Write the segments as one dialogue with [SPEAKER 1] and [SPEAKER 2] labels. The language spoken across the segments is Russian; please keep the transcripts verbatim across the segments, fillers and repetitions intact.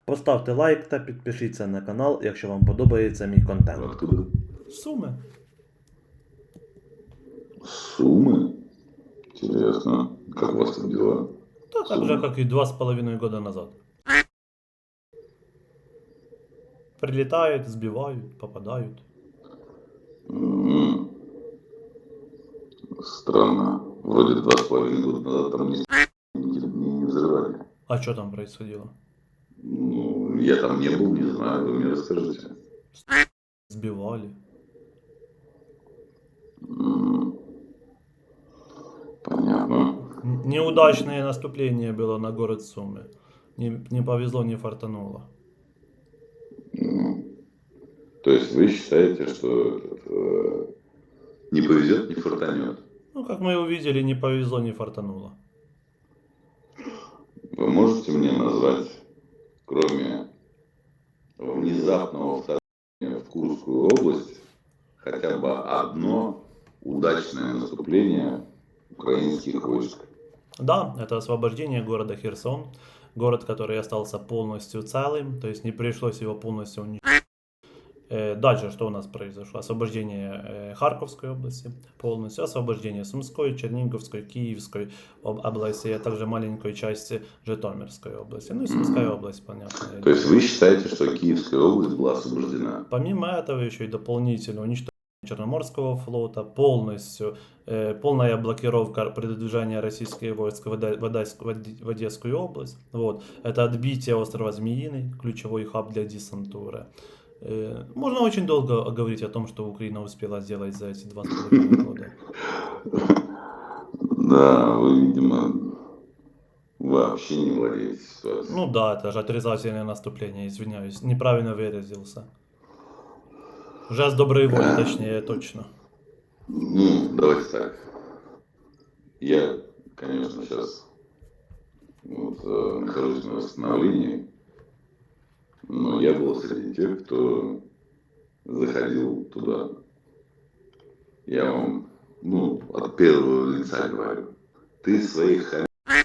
[SPEAKER 1] Поставте лайк та підпишіться на канал, якщо вам подобається мій контент.
[SPEAKER 2] Откуда?
[SPEAKER 1] Суми.
[SPEAKER 2] Суммы? Интересно. Как у вас там дела?
[SPEAKER 1] Та так же, как и два с половиной года назад. Прилетают, сбивают, попадают.
[SPEAKER 2] М, Странно. Вроде два с половиной года назад там ни не, не, не взрывали.
[SPEAKER 1] А что там происходило?
[SPEAKER 2] Ну, я там не был, не знаю, вы мне расскажите.
[SPEAKER 1] Сбивали.
[SPEAKER 2] М, Понятно.
[SPEAKER 1] Н- Неудачное наступление было на город Сумы. Не, не повезло, не фартануло.
[SPEAKER 2] М, То есть вы считаете, что этот, э, не повезет, не фартанет?
[SPEAKER 1] Ну, как мы увидели, не повезло, не фартануло.
[SPEAKER 2] Вы можете мне назвать, кроме внезапного вторжения в Курскую область, хотя бы одно удачное наступление украинских войск?
[SPEAKER 1] Да, это освобождение города Херсон. Город, который остался полностью целым, то есть не пришлось его полностью уничтожить. Э, Дальше что у нас произошло? Освобождение э, Харьковской области полностью, освобождение Сумской, Черниговской, Киевской об- области, а также маленькой части Житомирской области. Ну и Сумская область, понятно.
[SPEAKER 2] То есть вы считаете, что Киевская область была освобождена?
[SPEAKER 1] Помимо этого еще и дополнительно уничтожение Черноморского флота, полностью, э, полная блокировка передвижения российских войск в, Оде- в Одесс- в Оде- в Одесскую область. Вот. Это отбитие острова Змеиный, ключевой хаб для десантуры. Э, можно очень долго говорить о том, что Украина успела сделать за эти два с половиной года.
[SPEAKER 2] Да, вы, видимо, вообще не владеете ситуацией.
[SPEAKER 1] Ну да, это же отрицательное наступление, извиняюсь, неправильно выразился. Жест доброй воли, точнее, точно.
[SPEAKER 2] Ну, давайте так. Я, конечно, сейчас вот, э, нахожусь на восстановлении, но я был среди тех, кто заходил туда. Я вам, ну, от первого лица говорю. Ты своих хам...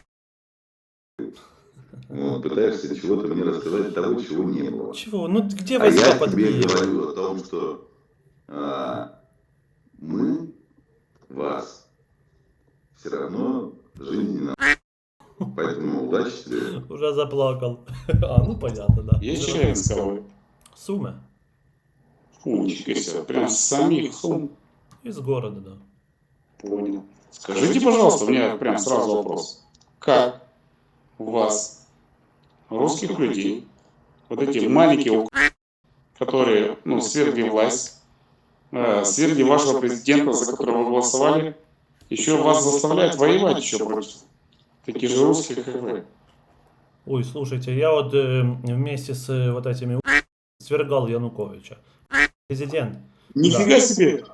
[SPEAKER 2] вот, пытаешься чего-то мне рассказать того, чего не было.
[SPEAKER 1] Чего? Ну где
[SPEAKER 2] А
[SPEAKER 1] войска
[SPEAKER 2] я
[SPEAKER 1] под
[SPEAKER 2] тебе
[SPEAKER 1] Киевом?
[SPEAKER 2] говорю о том, что а, мы вас все равно жизненно. Поэтому удачи тебе.
[SPEAKER 1] Уже заплакал. А, ну понятно, да.
[SPEAKER 3] Есть Челябинского?
[SPEAKER 1] Сумы.
[SPEAKER 3] Фу, нифига себе, прям с самих Сум.
[SPEAKER 1] Из города, да.
[SPEAKER 3] Понял. Скажите, пожалуйста, у меня прям сразу вопрос. Как у вас, русских людей, вот эти маленькие, ук- которые, ну, свергли власть, э, свергли вашего президента, за которого вы голосовали, еще вас заставляют воевать еще против таких же русских, как вы?
[SPEAKER 1] Ой, слушайте, я вот э, вместе с э, вот этими у- свергал Януковича. Президент.
[SPEAKER 3] Нифига себе!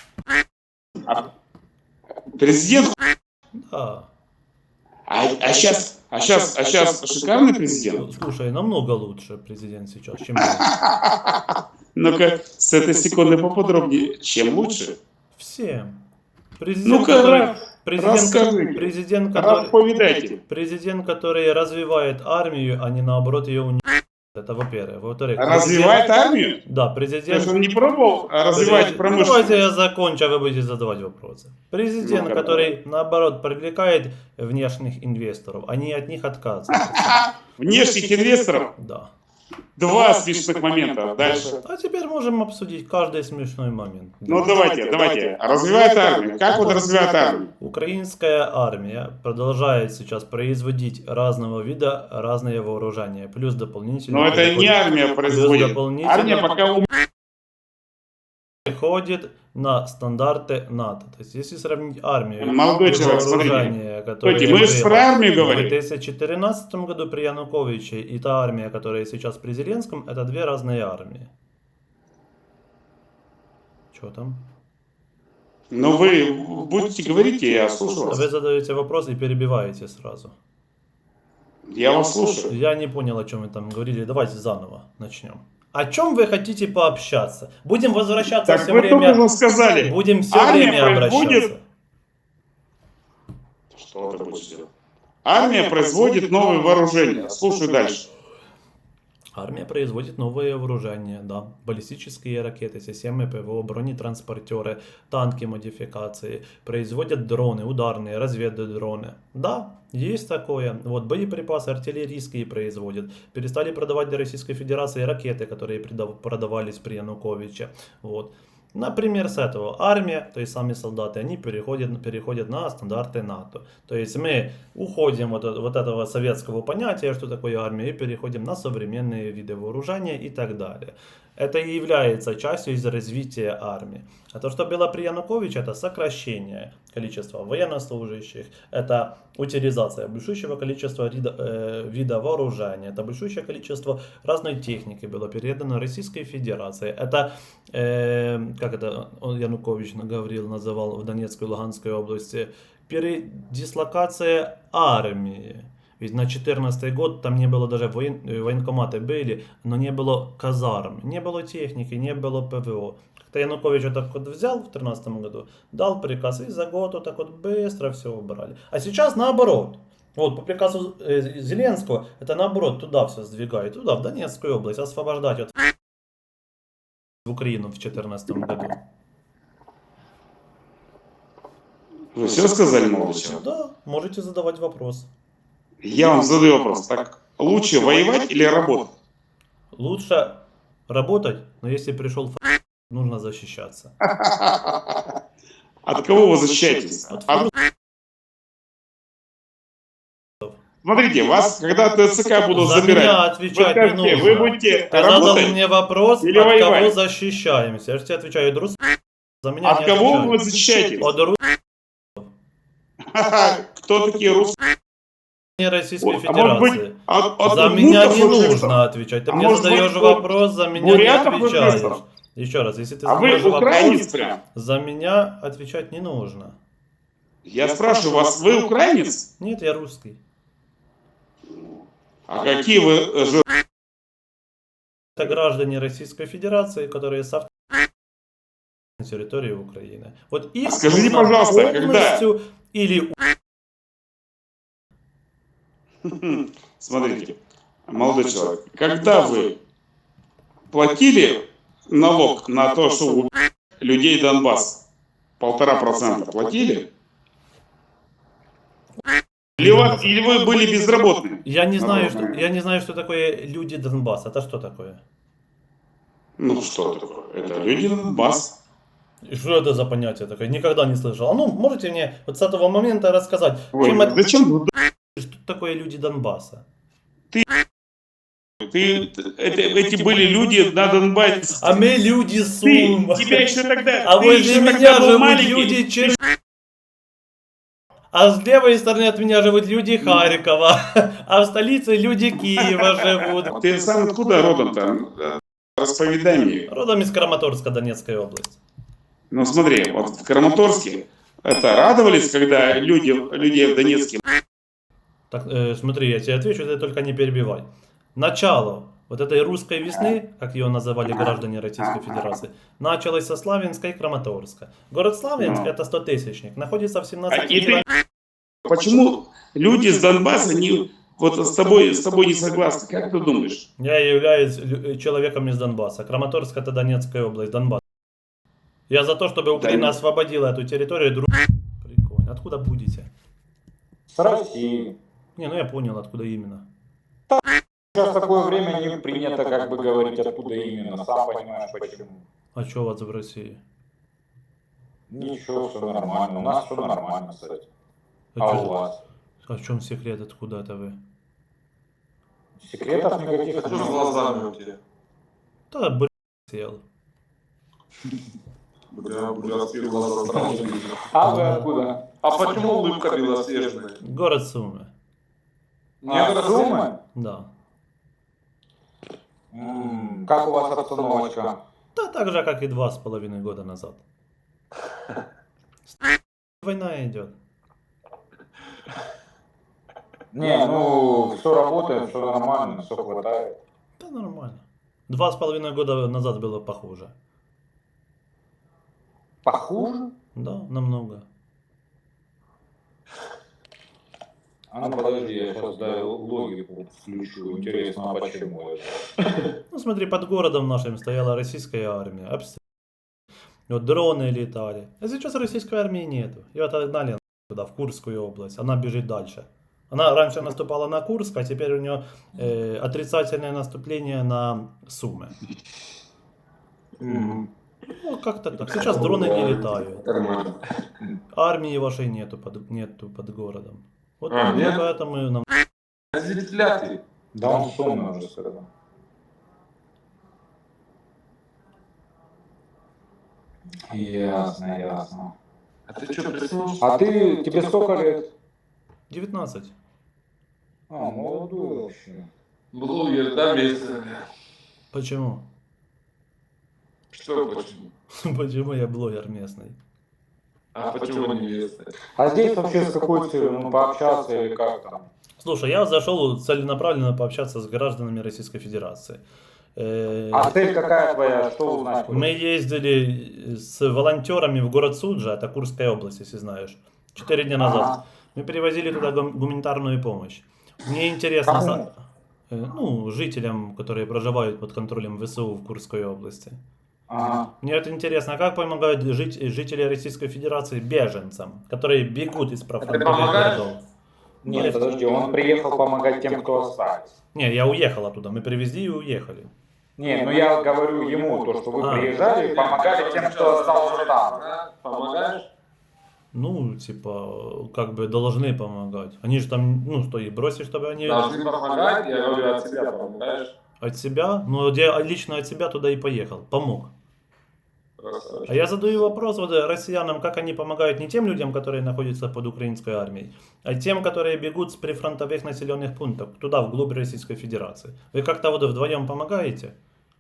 [SPEAKER 3] А президент?
[SPEAKER 1] Да.
[SPEAKER 3] А, а сейчас, а сейчас, а сейчас шикарный президент?
[SPEAKER 1] Слушай, намного лучше президент сейчас, чем я.
[SPEAKER 3] Ну-ка, с этой секунды поподробнее. Чем лучше?
[SPEAKER 1] Всем. Президент,
[SPEAKER 3] Ну-ка,
[SPEAKER 1] который,
[SPEAKER 3] Раф,
[SPEAKER 1] президент,
[SPEAKER 3] расскажите.
[SPEAKER 1] президент, который,
[SPEAKER 3] Расповедайте.
[SPEAKER 1] президент, который развивает армию, а не наоборот ее уничтожает. Это во-первых. Во-вторых,
[SPEAKER 3] Развивает
[SPEAKER 1] президент-
[SPEAKER 3] армию?
[SPEAKER 1] Да,
[SPEAKER 3] То
[SPEAKER 1] президент...
[SPEAKER 3] есть он не пробовал развивать
[SPEAKER 1] Президент- Давайте я
[SPEAKER 3] промышленность?
[SPEAKER 1] закончу, а вы будете задавать вопросы. Президент,
[SPEAKER 3] Ну,
[SPEAKER 1] который, наоборот, привлекает внешних инвесторов, а не от них отказывается.
[SPEAKER 3] Внешних инвесторов?
[SPEAKER 1] Да.
[SPEAKER 3] Два смешных момента. Дальше.
[SPEAKER 1] А теперь можем обсудить каждый смешной момент.
[SPEAKER 3] Ну давайте, давайте. Развивает армию. Как он развивает армию?
[SPEAKER 1] Украинская армия продолжает сейчас производить разного вида разные вооружения, плюс дополнительно...
[SPEAKER 3] Но это не армия производит.
[SPEAKER 1] дополнительно-
[SPEAKER 3] Армия пока ум...
[SPEAKER 1] переходит на стандарты НАТО. То есть, если сравнить армию
[SPEAKER 3] Молодой
[SPEAKER 1] и
[SPEAKER 3] человек,
[SPEAKER 1] вооружение, которое
[SPEAKER 3] Стойте, мы же
[SPEAKER 1] было
[SPEAKER 3] про армию
[SPEAKER 1] в
[SPEAKER 3] говорим.
[SPEAKER 1] две тысячи четырнадцатом году при Януковиче, и та армия, которая сейчас при Зеленском, это две разные армии. Что там?
[SPEAKER 3] Ну вы будете говорить, и я слушаю
[SPEAKER 1] Вы
[SPEAKER 3] вас.
[SPEAKER 1] задаете вопрос и перебиваете сразу.
[SPEAKER 3] Я вас слушаю.
[SPEAKER 1] Я не понял, о чем вы там говорили. Давайте заново начнем. О чем вы хотите пообщаться? Будем возвращаться
[SPEAKER 3] Так
[SPEAKER 1] все
[SPEAKER 3] вы
[SPEAKER 1] время.
[SPEAKER 3] только что сказали.
[SPEAKER 1] Будем все
[SPEAKER 3] армия
[SPEAKER 1] время
[SPEAKER 3] производит...
[SPEAKER 1] обращаться.
[SPEAKER 3] Что ты будешь делать? Армия производит новые вооружения. Слушай дальше.
[SPEAKER 1] Армия производит новые вооружения, да, баллистические ракеты, системы ПВО, бронетранспортеры, танки модификации, производят дроны, ударные, разведдроны. Да, есть такое. Вот боеприпасы артиллерийские производят. Перестали продавать для Российской Федерации ракеты, которые предав- продавались при Януковиче. Вот. Например, с этого армия, то есть сами солдаты, они переходят, переходят на стандарты НАТО. То есть мы уходим от, вот этого советского понятия, что такое армия, и переходим на современные виды вооружения и так далее. Это и является частью из развития армии. А то, что было при Януковиче, это сокращение количества военнослужащих, это утилизация большущего количества вида, э, вида вооружения, это большущее количество разной техники было передано Российской Федерации. Это, э, как это он, Янукович говорил, называл в Донецкой и Луганской области, передислокация армии. Ведь на четырнадцатый год там не было даже воен... военкоматы были, но не было казарм, не было техники, не было ПВО. Как-то Янукович вот так вот взял в тринадцатом году, дал приказ, и за год вот так вот быстро все убрали. А сейчас наоборот. Вот по приказу э, Зеленского, это наоборот туда все сдвигает, туда, в Донецкую область, освобождать от в Украину в четырнадцатом году.
[SPEAKER 3] Вы все сказали, молодой человек?
[SPEAKER 1] Да, можете задавать вопрос.
[SPEAKER 3] Я вам задаю вопрос. Так, лучше воевать или работать?
[SPEAKER 1] Лучше работать, но если пришел ф***, нужно защищаться.
[SPEAKER 3] От кого вы защищаетесь?
[SPEAKER 1] От
[SPEAKER 3] От- Смотрите, вас, когда ТЦК будут
[SPEAKER 1] За
[SPEAKER 3] забирать,
[SPEAKER 1] меня
[SPEAKER 3] вы
[SPEAKER 1] отвечать не
[SPEAKER 3] скажете,
[SPEAKER 1] нужно.
[SPEAKER 3] вы будете
[SPEAKER 1] Ты задал
[SPEAKER 3] работать?
[SPEAKER 1] мне вопрос,
[SPEAKER 3] или
[SPEAKER 1] от кого
[SPEAKER 3] воевать?
[SPEAKER 1] защищаемся. Я же тебе отвечаю, друз, за меня
[SPEAKER 3] От
[SPEAKER 1] не
[SPEAKER 3] кого
[SPEAKER 1] отвечай.
[SPEAKER 3] вы защищаетесь?
[SPEAKER 1] От ру...
[SPEAKER 3] Кто такие русские?
[SPEAKER 1] Российской
[SPEAKER 3] А может быть,
[SPEAKER 1] Федерации.
[SPEAKER 3] от, от
[SPEAKER 1] За меня
[SPEAKER 3] удмуртов
[SPEAKER 1] не
[SPEAKER 3] вы
[SPEAKER 1] нужно отвечать. Ты
[SPEAKER 3] А
[SPEAKER 1] мне
[SPEAKER 3] может
[SPEAKER 1] задаешь
[SPEAKER 3] быть,
[SPEAKER 1] вопрос, за меня не
[SPEAKER 3] бурятов вы
[SPEAKER 1] отвечаешь.
[SPEAKER 3] выслал?
[SPEAKER 1] Еще раз, если ты
[SPEAKER 3] А вы
[SPEAKER 1] задаешь вопрос,
[SPEAKER 3] украинец прям?
[SPEAKER 1] за меня отвечать не нужно.
[SPEAKER 3] Я спрашиваю вас, вы украинец?
[SPEAKER 1] Нет, я русский.
[SPEAKER 3] А какие вы э, жи-
[SPEAKER 1] Это граждане Российской Федерации, которые с на территории Украины. Вот их
[SPEAKER 3] Скажите,
[SPEAKER 1] нужно
[SPEAKER 3] пожалуйста,
[SPEAKER 1] полностью или
[SPEAKER 3] Смотрите, молодой человек, когда вы платили налог на то, что у людей Донбасса полтора процента платили? Или, вас- или вы были безработными?
[SPEAKER 1] я не знаю, что
[SPEAKER 3] Например.
[SPEAKER 1] я не знаю, что такое люди Донбасса. Это что такое?
[SPEAKER 3] Ну что такое? Это люди Донбасса.
[SPEAKER 1] И что это за понятие такое? Никогда не слышал. А ну, можете мне вот с этого момента рассказать,
[SPEAKER 3] Ой,
[SPEAKER 1] чем это,
[SPEAKER 3] зачем вы-
[SPEAKER 1] что такое люди Донбасса?
[SPEAKER 3] ты, это, эти были люди на Донбассе?
[SPEAKER 1] А мы люди
[SPEAKER 3] Ты,
[SPEAKER 1] Сум.
[SPEAKER 3] тебя еще тогда,
[SPEAKER 1] А
[SPEAKER 3] ты
[SPEAKER 1] возле
[SPEAKER 3] еще
[SPEAKER 1] меня
[SPEAKER 3] тогда был
[SPEAKER 1] живут
[SPEAKER 3] маленький.
[SPEAKER 1] люди Чер... А с левой стороны от меня живут люди Харькова. А в столице люди Киева живут.
[SPEAKER 3] Ты сам откуда родом там? Расповедай мне.
[SPEAKER 1] Родом из Краматорска, Донецкая область.
[SPEAKER 3] Ну смотри, вот в Краматорске это радовались, когда люди, людей в Донецке.
[SPEAKER 1] Так, э, смотри, я тебе отвечу, ты только не перебивай. Начало вот этой русской весны, как ее называли граждане Российской Федерации, началось со Славянска и Краматорска. Город Славянск,
[SPEAKER 3] Ну.
[SPEAKER 1] это стотысячник, находится в
[SPEAKER 3] А
[SPEAKER 1] семнадцати
[SPEAKER 3] и ты-
[SPEAKER 1] километрах.
[SPEAKER 3] Почему люди с Донбасса не, вот с тобой, с тобой не согласны? Как ты думаешь?
[SPEAKER 1] Я являюсь лю- человеком из Донбасса. Краматорск это Донецкая область, Донбасс. Я за то, чтобы Украина
[SPEAKER 3] Да.
[SPEAKER 1] освободила эту территорию. Друг... Прикольно. Откуда будете?
[SPEAKER 4] С России.
[SPEAKER 1] Не, ну я понял, откуда именно.
[SPEAKER 4] Сейчас такое время не принято как бы говорить, откуда именно. Сам понимаешь, почему.
[SPEAKER 1] А что у вас в России?
[SPEAKER 4] Ничего, все нормально. У нас все нормально, кстати.
[SPEAKER 1] А,
[SPEAKER 4] А
[SPEAKER 1] чё-
[SPEAKER 4] у вас?
[SPEAKER 1] а в чем секрет, откуда это вы?
[SPEAKER 4] Секретов никаких
[SPEAKER 5] Что с
[SPEAKER 4] нет.
[SPEAKER 5] глазами у тебя?
[SPEAKER 1] Да, блин, сел.
[SPEAKER 5] Бля, бурятские глаза сразу видно.
[SPEAKER 4] А вы откуда?
[SPEAKER 5] А почему улыбка белоснежная?
[SPEAKER 1] Город Сумы.
[SPEAKER 4] А, Сумы?
[SPEAKER 1] Да.
[SPEAKER 4] М, Как у вас обстановочка?
[SPEAKER 1] Да так же, как и два с половиной года назад. Война идет.
[SPEAKER 4] Не, ну, все работает, все нормально, все хватает.
[SPEAKER 1] Да нормально. Два с половиной года назад было похуже.
[SPEAKER 4] Похуже?
[SPEAKER 1] Да, намного.
[SPEAKER 4] А ну подожди, я сейчас дай логику включу. Интересно, а почему это?
[SPEAKER 1] Ну смотри, под городом нашим стояла российская армия, обстрел. Вот дроны летали. А сейчас российской армии нету. Ее отогнали туда, в Курскую область. Она бежит дальше. Она раньше наступала на Курск, а теперь у нее э, отрицательное наступление на Сумы.
[SPEAKER 5] Мгм.
[SPEAKER 1] Ну, как-то так. Сейчас дроны не летают.
[SPEAKER 5] Нормально.
[SPEAKER 1] Армии вашей нету под, нету под городом. Вот
[SPEAKER 5] А,
[SPEAKER 1] ну,
[SPEAKER 5] нет?
[SPEAKER 1] поэтому нам...
[SPEAKER 5] Зрителя ты.
[SPEAKER 4] Да он сонный уже сказал. Ясно, ясно.
[SPEAKER 5] А ты что, проснулся?
[SPEAKER 4] А ты, тебе сколько лет?
[SPEAKER 1] девятнадцать.
[SPEAKER 4] А, молодой вообще.
[SPEAKER 5] Блогер, да, месяц?
[SPEAKER 1] Почему?
[SPEAKER 5] Что почему?
[SPEAKER 1] Почему я блогер местный?
[SPEAKER 5] А почему не месяц?
[SPEAKER 4] А здесь вообще с какой целью? Ну, пообщаться или как там?
[SPEAKER 1] Слушай, я зашел целенаправленно пообщаться с гражданами Российской Федерации. Э,
[SPEAKER 4] А цель какая твоя? Что узнать?
[SPEAKER 1] Мы ездили с волонтерами в город Суджа, это Курская область, если знаешь, четыре дня назад.
[SPEAKER 4] Ага.
[SPEAKER 1] Мы перевозили туда гум- гуманитарную помощь. Мне интересно,
[SPEAKER 4] Кому?
[SPEAKER 1] са- э, ну, жителям, которые проживают под контролем ВСУ в Курской области.
[SPEAKER 4] Ага.
[SPEAKER 1] Мне это интересно, как помогают жить, жители Российской Федерации беженцам, которые бегут из профронтовых
[SPEAKER 5] помогаешь?
[SPEAKER 1] городов.
[SPEAKER 4] Нет, подожди, он приехал помогать тем, кто остались.
[SPEAKER 1] Не, я уехал оттуда, мы привезли и уехали.
[SPEAKER 4] Не, ну я говорю ему, то, что вы
[SPEAKER 1] А.
[SPEAKER 4] приезжали и помогали тем, кто остался там.
[SPEAKER 5] Помогаешь?
[SPEAKER 1] Ну, типа, как бы должны помогать. Они же там, ну, что, и бросить, чтобы они
[SPEAKER 5] Должны помогать, я говорю, от себя помогаешь.
[SPEAKER 1] от себя, ну, я лично от себя туда и поехал, помог.
[SPEAKER 5] Красавчик.
[SPEAKER 1] А я задаю вопрос вот россиянам, как они помогают не тем людям, которые находятся под украинской армией, а тем, которые бегут с прифронтовых населенных пунктов, туда, вглубь Российской Федерации. Вы как-то вот вдвоем помогаете?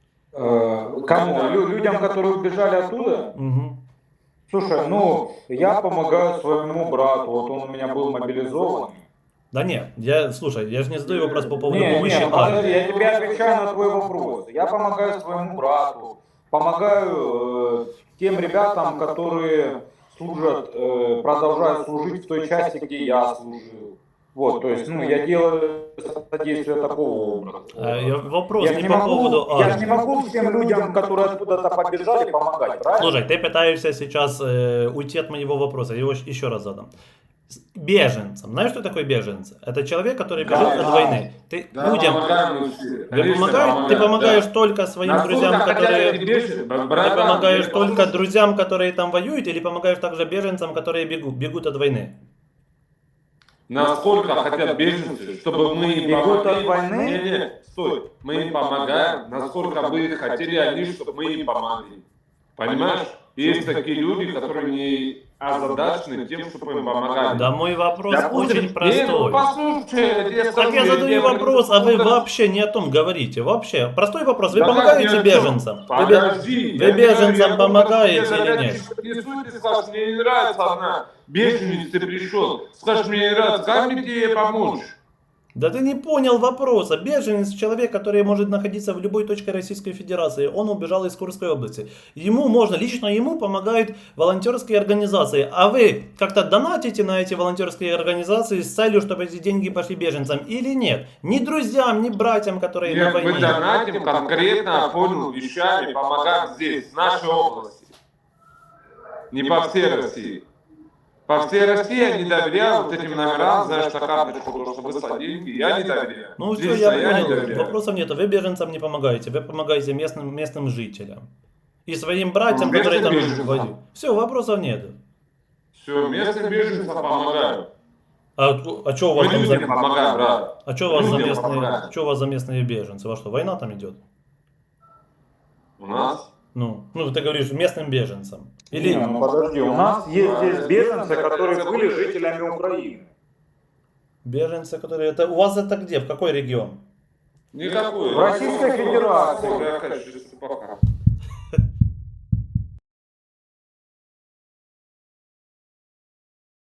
[SPEAKER 4] Э, Кому? Лю- людям, которые убежали оттуда?
[SPEAKER 1] Угу.
[SPEAKER 4] Слушай, ну, я помогаю своему брату, вот он у меня был мобилизован.
[SPEAKER 1] Да нет, я, слушай, я же не задаю вопрос по поводу
[SPEAKER 4] Не,
[SPEAKER 1] помощи
[SPEAKER 4] не, подожди,
[SPEAKER 1] армии.
[SPEAKER 4] я тебе отвечаю на твой вопрос. Я помогаю своему брату, помогаю э, тем ребятам, которые служат, э, продолжают служить в той части, где я служил. Вот, то есть, ну, я делаю содействие такого образа.
[SPEAKER 1] А, я- вопрос
[SPEAKER 4] Я
[SPEAKER 1] не
[SPEAKER 4] не
[SPEAKER 1] по
[SPEAKER 4] могу,
[SPEAKER 1] поводу
[SPEAKER 4] я же
[SPEAKER 1] армии.
[SPEAKER 4] не могу всем людям, которые откуда-то побежали, помогать, правильно?
[SPEAKER 1] Слушай, ты пытаешься сейчас э, уйти от моего вопроса, я его щ- еще раз задам. С- Беженцам. Знаешь, что такое беженцы? Это человек, который
[SPEAKER 5] Да,
[SPEAKER 1] бежит от
[SPEAKER 4] да.
[SPEAKER 1] войны. Ты
[SPEAKER 5] Да,
[SPEAKER 1] людям,
[SPEAKER 5] помогаем мы все.
[SPEAKER 1] вы
[SPEAKER 5] Конечно,
[SPEAKER 1] помогаешь, ты
[SPEAKER 5] помогаем,
[SPEAKER 1] помогаешь
[SPEAKER 5] да.
[SPEAKER 1] только своим
[SPEAKER 5] Насколько
[SPEAKER 1] друзьям,
[SPEAKER 5] хотя
[SPEAKER 1] которые...
[SPEAKER 5] эти беженцы,
[SPEAKER 1] Ты
[SPEAKER 5] братан,
[SPEAKER 1] помогаешь
[SPEAKER 5] я
[SPEAKER 1] только
[SPEAKER 5] послушаю.
[SPEAKER 1] друзьям, которые там воюют, или помогаешь также беженцам, которые бегут, бегут от войны?
[SPEAKER 5] Насколько хотят беженцы, чтобы мы им
[SPEAKER 4] Бегут
[SPEAKER 5] помогли.
[SPEAKER 4] от войны?
[SPEAKER 5] Не, не, стой. Мы им помогаем, насколько бы хотели они, чтобы мы им помогли. Понимаешь? Есть такие люди, которые не озадачены тем, чтобы им помогать.
[SPEAKER 1] Да мой вопрос
[SPEAKER 5] Допустим,
[SPEAKER 1] очень
[SPEAKER 5] не,
[SPEAKER 1] простой.
[SPEAKER 5] ну послушай, я тебе
[SPEAKER 1] Так
[SPEAKER 5] скажу,
[SPEAKER 1] я задаю
[SPEAKER 5] тебе
[SPEAKER 1] вопрос, а вы
[SPEAKER 5] буду-
[SPEAKER 1] вообще не о том говорите. Вообще, простой вопрос. Вы
[SPEAKER 5] Да как
[SPEAKER 1] помогаете
[SPEAKER 5] ни о чем?
[SPEAKER 1] беженцам? Вы бе-
[SPEAKER 5] Подожди,
[SPEAKER 1] вы
[SPEAKER 5] я
[SPEAKER 1] беженцам
[SPEAKER 5] говорю, я
[SPEAKER 1] помогаете
[SPEAKER 5] просто
[SPEAKER 1] или
[SPEAKER 5] тебе
[SPEAKER 1] нет?
[SPEAKER 5] задачу принесу, и ты скажешь, мне не нравится одна. Беженец ты пришел. Скажешь, мне не нравится, как мне тебе помочь?
[SPEAKER 1] Да ты не понял вопроса. Беженец — человек, который может находиться в любой точке Российской Федерации. Он убежал из Курской области. Ему можно, лично ему помогают волонтерские организации. А вы как-то донатите на эти волонтерские организации с целью, чтобы эти деньги пошли беженцам или нет? Ни друзьям, ни братьям, которые на
[SPEAKER 5] Нет, мы
[SPEAKER 1] войне.
[SPEAKER 5] донатим конкретно, понял, вещами, помогаем здесь, в нашей области. Не по всей России. По всей России я не доверяю вот этим номерам, знаешь, на карточку, то, что выслать деньги, я не доверяю.
[SPEAKER 1] Ну все,
[SPEAKER 5] Лично
[SPEAKER 1] я
[SPEAKER 5] не
[SPEAKER 1] понял.
[SPEAKER 5] доверяю.
[SPEAKER 1] Вопросов нет. Вы беженцам не помогаете. Вы помогаете местным, местным жителям. И своим братьям,
[SPEAKER 5] Ну,
[SPEAKER 1] которые там
[SPEAKER 5] местным беженцам.
[SPEAKER 1] воюют. Все, вопросов нет.
[SPEAKER 5] Все, местным беженцам помогаю.
[SPEAKER 1] А, а что у вас
[SPEAKER 5] Мы
[SPEAKER 1] там
[SPEAKER 5] людям
[SPEAKER 1] за...
[SPEAKER 5] помогаем, брат.
[SPEAKER 1] А что у вас за
[SPEAKER 5] людям
[SPEAKER 1] местные,
[SPEAKER 5] помогаем.
[SPEAKER 1] что у вас за местные беженцы? Во что, война там идет?
[SPEAKER 5] У нас?
[SPEAKER 1] Ну, ну ты говоришь местным беженцам. Или...
[SPEAKER 4] Не, ну подожди, у нас есть здесь беженцы, которые были жителями Украины.
[SPEAKER 1] Беженцы, которые... Это... У вас это где? В какой регион?
[SPEAKER 5] Никакой.
[SPEAKER 4] В Российской Федерации.
[SPEAKER 5] Я, конечно, пока.